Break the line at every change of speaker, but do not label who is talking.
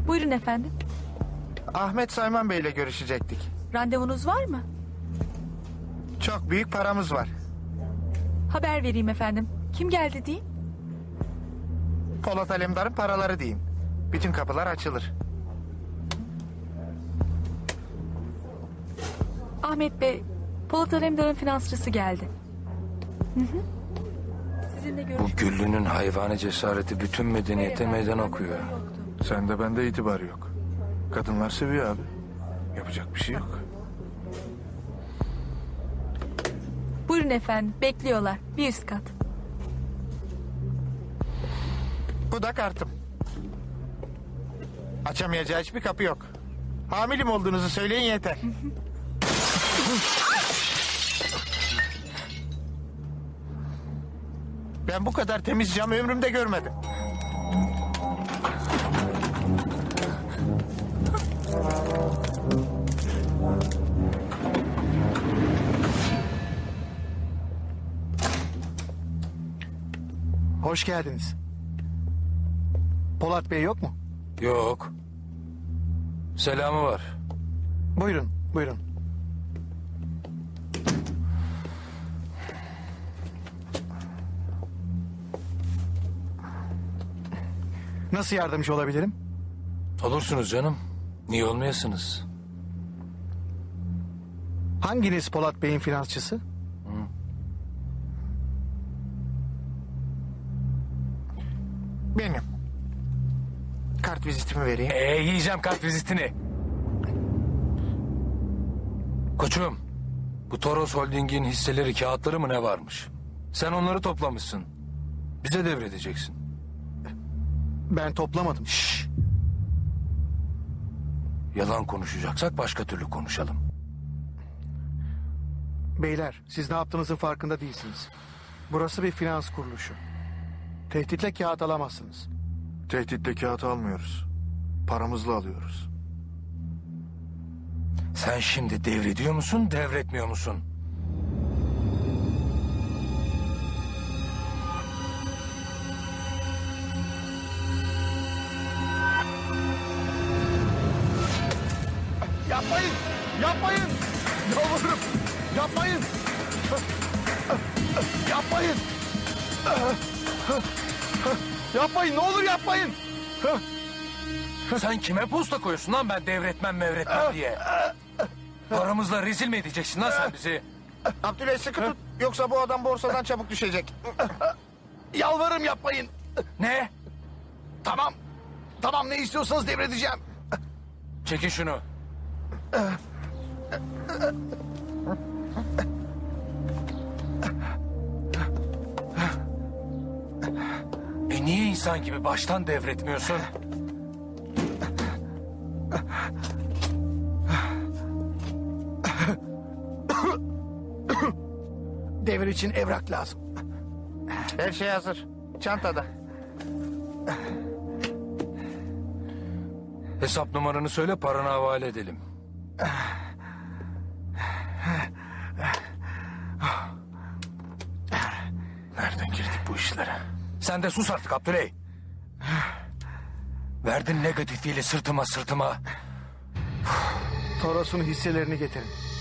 Buyurun efendim.
Ahmet Sayman Bey'le görüşecektik.
Randevunuz var mı?
Çok büyük paramız var.
Haber vereyim efendim. Kim geldi diyeyim?
Polat Alemdar'ın paraları diyeyim. Bütün kapılar açılır.
Ahmet Bey, Polat Alemdar'ın finansçısı geldi. Sizinle
Bu
görüşmek
Güllü'nün hayvani cesareti bütün medeniyete meydan okuyor.
Sende bende itibar yok. Kadınlar seviyor abi. Yapacak bir şey yok.
Buyurun efendim, bekliyorlar. Bir üst kat.
Bu da kartım. Açamayacağı hiçbir kapı yok. Hamilim olduğunuzu söyleyin yeter. Ben bu kadar temiz cam ömrümde görmedim.
Hoş geldiniz. Polat Bey yok mu?
Yok. Selamı var.
Buyurun, buyurun. Nasıl yardımcı olabilirim?
Olursunuz canım. Niye olmayasınız?
Hanginiz Polat Bey'in finansçısı?
Benim. Kart vizitimi vereyim.
Yiyeceğim kart vizitini. Koçum, bu Toros Holding'in hisseleri, kağıtları mı ne varmış? Sen onları toplamışsın. Bize devredeceksin.
Ben toplamadım.
Şşş. Yalan konuşacaksak başka türlü konuşalım.
Beyler, siz ne yaptığınızın farkında değilsiniz. Burası bir finans kuruluşu. Tehditle kağıt alamazsınız.
Tehditle kağıt almıyoruz. Paramızla alıyoruz.
Sen şimdi devrediyor musun, devretmiyor musun?
Yapmayın! Yapmayın! Yalvarırım! Yapmayın! Yapmayın! Yapmayın! Ne olur yapmayın!
Sen kime posta koyuyorsun lan ben devretmem mevretmem diye? Paramızla rezil mi edeceksin lan sen bizi?
Abdüley sıkı tut. Yoksa bu adam borsadan çabuk düşecek.
Yalvarırım yapmayın!
Ne?
Tamam! Tamam ne istiyorsanız devredeceğim.
Çekin şunu. Niye insan gibi baştan devretmiyorsun?
Devir için evrak lazım.
Her şey hazır. Çantada.
Hesap numaranı söyle, paranı havale edelim.
Nereden girdik bu işlere?
Sen de sus artık Abdüley. Verdin negatifiyle sırtıma.
Toros'un hisselerini getirin.